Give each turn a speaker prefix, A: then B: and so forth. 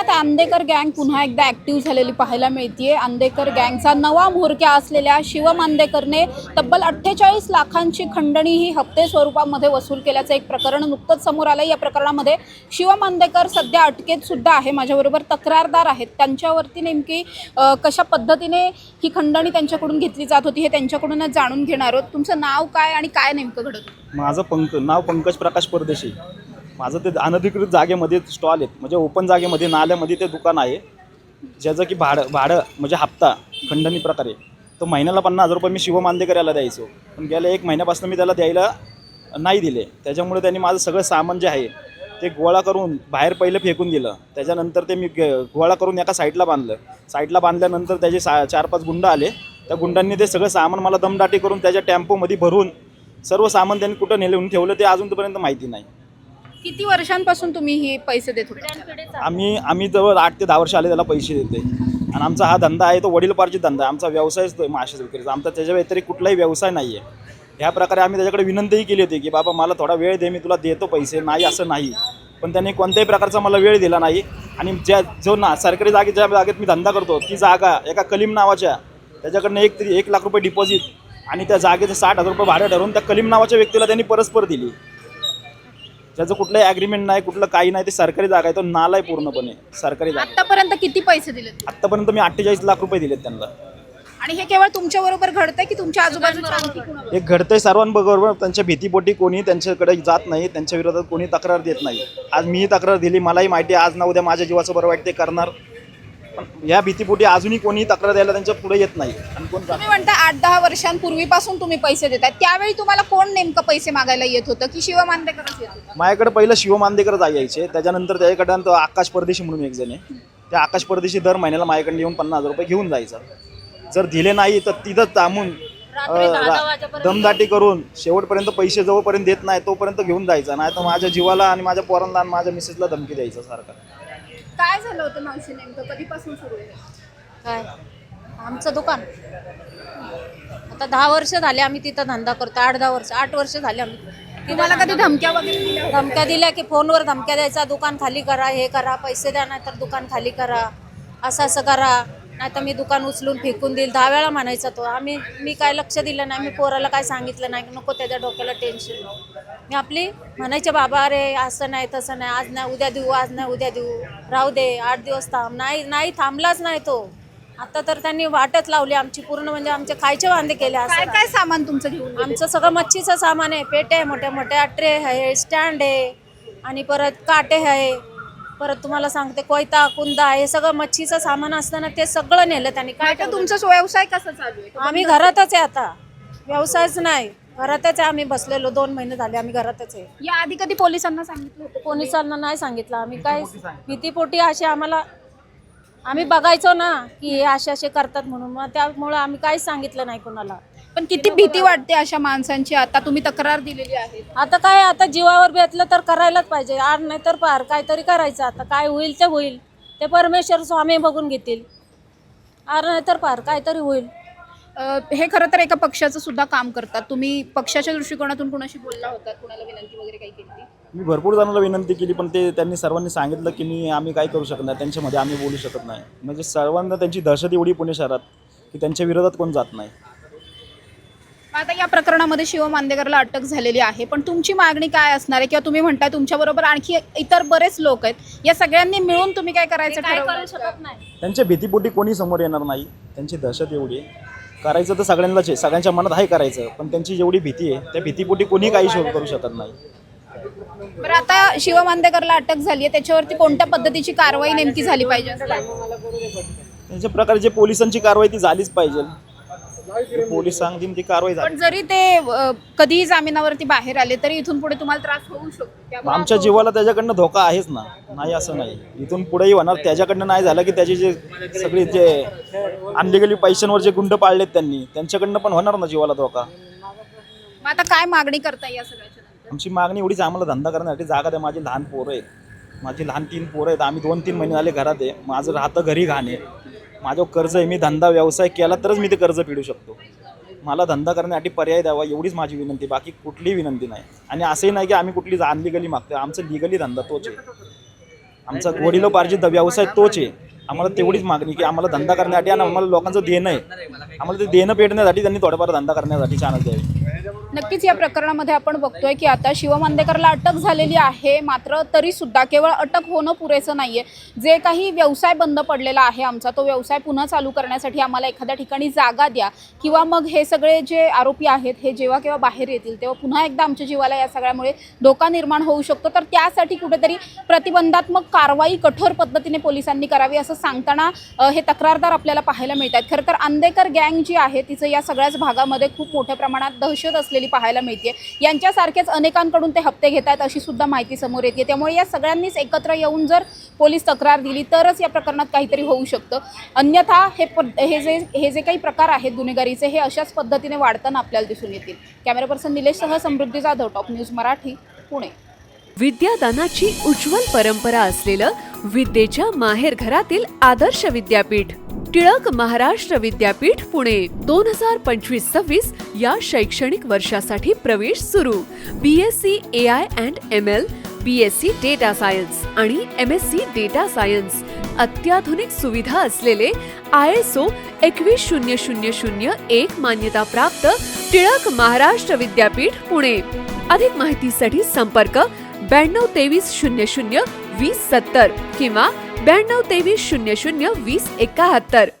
A: पुण्यात आंदेकर गँग पुन्हा एकदा ॲक्टिव्ह झालेली पाहायला मिळते। आंदेकर गँगचा नवा म्होरक्या असलेल्या शिवम आंदेकरने तब्बल 48 लाखांची खंडणी ही हप्ते स्वरूपामध्ये वसूल केल्याचं एक प्रकरण नुकतंच समोर आलं। या प्रकरणामध्ये शिवम आंदेकर सध्या अटकेत सुद्धा आहे। माझ्याबरोबर तक्रारदार आहेत, त्यांच्यावरती नेमकी कशा पद्धतीने ही खंडणी त्यांच्याकडून घेतली जात होती हे त्यांच्याकडूनच जाणून घेणार आहोत। तुमचं नाव काय आणि काय नेमकं घडत होतं?
B: माझं नाव पंकज प्रकाश परदेशी। माझं ते अनधिकृत जागेमध्ये स्टॉल आहेत, म्हणजे ओपन जागेमध्ये नाल्यामध्ये ते दुकान आहे, ज्याचं की भाडं म्हणजे हप्ता खंडणी प्रकारे तो महिन्याला 50,000 रुपये मी शिवम आंदेकर याला द्यायचो, पण गेल्या 1 महिन्यापासून मी त्याला द्यायला नाही दिले। त्याच्यामुळे त्यांनी माझं सगळं सामान जे आहे ते गोळा करून बाहेर पहिलं फेकून दिलं। त्याच्यानंतर ते मी गोळा करून एका साईडला बांधलं। साईडला बांधल्यानंतर त्याचे 4-5 गुंड आले। त्या गुंडांनी ते सगळं सामान मला दमदाटी करून त्याच्या टेम्पोमध्ये भरून सर्व सामान त्यांनी कुठं नेऊन ठेवलं ते अजूनपर्यंत माहिती नाही।
A: किती वर्षांपासून तुम्ही हे पैसे देत होते?
B: आम्ही जवळ 8 ते 10 वर्ष आले त्याला पैसे देते, आणि आमचा हा धंदा आहे तो वडीलपार्जित धंदा आहे। आमचा व्यवसायच तो माशाचा विक्रीचा, आमचा त्याच्या व्यतिरिक्त कुठलाही व्यवसाय नाही आहे। ह्या प्रकारे आम्ही त्याच्याकडे विनंतीही केली होती की बाबा मला थोडा वेळ दे, मी तुला देतो पैसे, नाही असं नाही, पण त्यांनी कोणत्याही प्रकारचा मला वेळ दिला नाही। आणि सरकारी ज्या जागेत मी धंदा करतो ती जागा एका कलीम नावाच्या त्याच्याकडनं 1 लाख रुपये डिपॉझिट आणि त्या जागेचं 60,000 रुपये भाडं ठरवून त्या कलीम नावाच्या व्यक्तीला त्यांनी परस्पर दिली। त्याचं कुठलंही ॲग्रीमेंट नाही, कुठलं काही नाही, ते सरकारी जागा आहे, तो नाला आहे पूर्णपणे सरकारी जागा।
A: आतापर्यंत किती पैसे दिले?
B: आत्तापर्यंत मी 48 लाख रुपये दिलेत त्यांना।
A: आणि हे केवळ तुमच्या बरोबर घडतंय की तुमच्या आजूबाजूच्या आणखी कोणाबरोबर?
B: हे घडतंय सर्वांबरोबर। त्यांच्या भीतीपोटी कोणी त्यांच्याकडे जात नाही, त्यांच्या विरोधात कोणी तक्रार देत नाही। आज मीही तक्रार दिली, मलाही माहिती आहे आज ना उद्या माझ्या जीवाचं बरं वाईट ते करणार, पण या भीतीपोटी अजूनही कोणी तक्रार द्यायला त्यांच्या पुढे येत नाही। आणि कोण
A: तुम्ही म्हणता 8-10 वर्षांपूर्वीपासून तुम्ही पैसे देताय, त्यावेळी तुम्हाला कोण नेमकं पैसे मागायला येत होतं की शिवम आंदेकरच येत होता?
B: माझ्याकडे पहिलं शिवम आंदेकर यायचे, त्याच्यानंतर त्याच्याकडं तो आकाश परदेशी म्हणून एक जण आहे, त्या आकाश परदेशी दर महिन्याला माझ्याकडे येऊन 50,000 रुपये घेऊन जायचा। जर दिले नाही तर तिथंच थांबून दमदाटी करून शेवटपर्यंत पैसे जोपर्यंत देत नाही तोपर्यंत घेऊन जायचा, नाही तर माझ्या जीवाला आणि माझ्या पोरांना आणि माझ्या मिसेसला धमकी द्यायचा सारखा।
A: काय झालं होतं मावशी नेमकं? कधीपासून सुरू आहे
C: काय आमचं दुकान? आता 10 वर्ष झाले आम्ही तिथं धंदा करतो। 8 वर्ष झाले आम्ही।
A: तुम्हाला कधी धमक्या वगैरे दिल्या होत्या?
C: धमक्या दिल्या की फोनवर धमक्या द्यायचा, दुकान खाली करा, हे करा, पैसे द्या नाही तर दुकान खाली करा, असं करा, नाही तर मी दुकान उचलून फेकून देईल। 10 वेळा म्हणायचा तो। मी काय लक्ष दिलं नाही, मी पोराला काय सांगितलं नाही, नको त्याच्या डोक्याला टेन्शन। मी आपली म्हणायचे बाबा अरे असं नाही तसं नाही, आज नाही उद्या देऊ, आज नाही उद्या देऊ, राहू दे 8 दिवस थांब, नाही थांबलाच नाही तो। आता तर त्यांनी वाटच लावली आमची पूर्ण, म्हणजे आमचे खायचे वांदे केले।
A: काय काय सामान तुमचं घेऊन?
C: आमचं सगळं मच्छीचं सामान आहे, पेटे आहे, मोठ्या मोठ्या ट्रे आहे, स्टँड आहे, आणि परत काटे आहे, परत तुम्हाला सांगते कोयता कुंदा, हे सगळं मच्छीचं सामान असताना ते सगळं नेलं त्यांनी। काय
A: तुमचा व्यवसाय कसा चालू आहे?
C: आम्ही घरातच आहे आता, व्यवसायच नाही, घरातच आहे आम्ही बसलेलो। 2 महिने झाले आम्ही घरातच आहे।
A: या आधी कधी पोलिसांना सांगितलं होतं?
C: पोलिसांना नाही सांगितलं आम्ही, काय भीतीपोटी असे आम्ही बघायचो ना की हे असे करतात म्हणून, मग त्यामुळे आम्ही काहीच सांगितलं नाही कोणाला।
A: पण किती भीती वाटते अशा माणसांची? आता तुम्ही तक्रार दिलेली आहे,
C: आता जीवावर बेतलं तर करायलाच पाहिजे, आड नाही तर पार काहीतरी करायचं। आता काय होईल ते होईल, ते परमेश्वर स्वामी बघून घेतील, आड नाही तर पार काहीतरी होईल।
A: हे खरं तर एका पक्षाचं सुद्धा काम करतात। तुम्ही पक्षाच्या दृष्टिकोनातून कुणाशी बोलला होता, कुणाला विनंती वगैरे काही केली?
B: मी भरपूर जणांना विनंती केली, पण त्यांनी सर्वांनी सांगितलं की आम्ही काय करू शकत नाही, त्यांच्यामध्ये आम्ही बोलू शकत नाही। म्हणजे सर्वांना त्यांची दहशत एवढी पुणे शहरात की त्यांच्या विरोधात कोण जात नाही।
A: आता या प्रकरणामध्ये शिवम आंदेकरला अटक झालेली आहे, पण तुमची मागणी काय असणार आहे? किंवा तुम्ही म्हणताय तुमच्याबरोबर आणखी इतर बरेच लोक आहेत, या सगळ्यांनी मिळून तुम्ही काय करायचं ठरवलं?
C: नाही,
B: त्यांच्या भीतीपोटी कोणी समोर येणार नाही, त्यांची दहशत एवढी आहे। करायचं तर सगळ्यांनाच आहे, सगळ्यांच्या मनात आहे करायचं, पण त्यांची जेवढी भीती आहे त्या भीतीपोटी कोणी काही करू शकत नाही।
A: बरं, आता शिवम आंदेकरला अटक झाली आहे, त्याच्यावरती कोणत्या पद्धतीची कारवाई नेमकी झाली पाहिजे?
B: त्यांच्या प्रकारे जे पोलिसांची कारवाई ती झालीच पाहिजे, पोलीस सांगतील ती कारवाई झाली।
A: पण जरी ते कधीही जामिनावरती बाहेर आले तरी इथून पुढे तुम्हाला त्रास होऊ शकतो?
B: आमच्या जीवाला त्याच्याकडनं धोका आहेच ना, नाही असं नाही, इथून पुढेही होणार। त्याच्याकडनं नाही झालं की त्याचे जे सगळे जे अनलिगली पैशांवर जे गुंड पाळलेत त्यांच्याकडनं पण होणार ना जीवाला धोका।
A: मग आता काय मागणी करता या सगळ्याच्या नंतर?
B: आमची मागणी एवढीच, आम्हाला धंदा करण्यासाठी जागा द्या। माझी लहान पोरं आहेत, माझी लहान 3 पोरं आहेत, आम्ही 2-3 महिने झाले घरात आहे, माझं राहतं घरी घाण आहे, माझं कर्ज आहे, मी धंदा व्यवसाय केला तरच मी ते कर्ज फेडू शकतो। मला धंदा करण्यासाठी पर्याय द्यावा एवढीच माझी विनंती, बाकी कुठलीही विनंती नाही। आणि असंही नाही की आम्ही कुठली अनलिगली मागतो, आमचं लिगली धंदा तोच आहे। आमचा वडिलोपार्जित व्यवसाय तोच आहे. आम्हाला तेवढीच मागणी की आम्हाला धंदा करण्यासाठी आणि आम्हाला लोकांचं देणं आहे, आम्हाला ते देणं पेटण्यासाठी त्यांनी थोडंफार धंदा करण्यासाठी चान्स द्यावी.
A: नक्कीच या प्रकरणामध्ये आपण बघतोय की आता शिव मांदेकरला अटक झालेली आहे, मात्र तरी सुद्धा केवळ अटक होणं पुरेसं नाहीये. जे काही व्यवसाय बंद पडलेला आहे आमचा, तो व्यवसाय पुन्हा चालू करण्यासाठी आम्हाला एखाद्या ठिकाणी जागा द्या, किंवा मग हे सगळे जे आरोपी आहेत हे जेव्हा केव्हा बाहेर येतील तेव्हा पुन्हा एकदा आमच्या जीवाला या सगळ्यामुळे धोका निर्माण होऊ शकतो. तर त्यासाठी कुठेतरी प्रतिबंधात्मक कारवाई कठोर पद्धतीने पोलिसांनी करावी असं सांगताना हे तक्रारदार आपल्याला पाहायला मिळतात. खरं तर अंदेकर गँग जी आहे तिचं या सगळ्याच भागामध्ये खूप मोठ्या प्रमाणात दहशत असलेली पाहायला मिळते. यांच्यासारखेच अनेकांकडून ते हप्ते घेत आहेत अशी सुद्धा माहिती समोर येते. त्यामुळे या सगळ्यांनीच एकत्र येऊन जर पोलीस तक्रार दिली तरच या प्रकरणात काहीतरी होऊ शकतं. अन्यथा हे जे काही प्रकार आहेत गुन्हेगारीचे हे अशाच पद्धतीने वाढताना आपल्याला दिसून येतील. कॅमेरा पर्सन निलेशसह समृद्धी जाधव, टॉप न्यूज मराठी, पुणे.
D: विद्यादानाची उज्ज्वल परंपरा असलेलं विद्येच्या माहेरघरातील आदर्श विद्यापीठ टिळक महाराष्ट्र विद्यापीठ पुणे 2025-26 या शैक्षणिक वर्षासाठी प्रवेश सुरू. BSc AI and ML, BSc data science आणि MSc डेटा सायन्स. अत्याधुनिक सुविधा असलेले ISO 21001 मान्यताप्राप्त टिळक महाराष्ट्र विद्यापीठ पुणे. अधिक माहितीसाठी संपर्क 922300 2070 किंवा 922300 2071.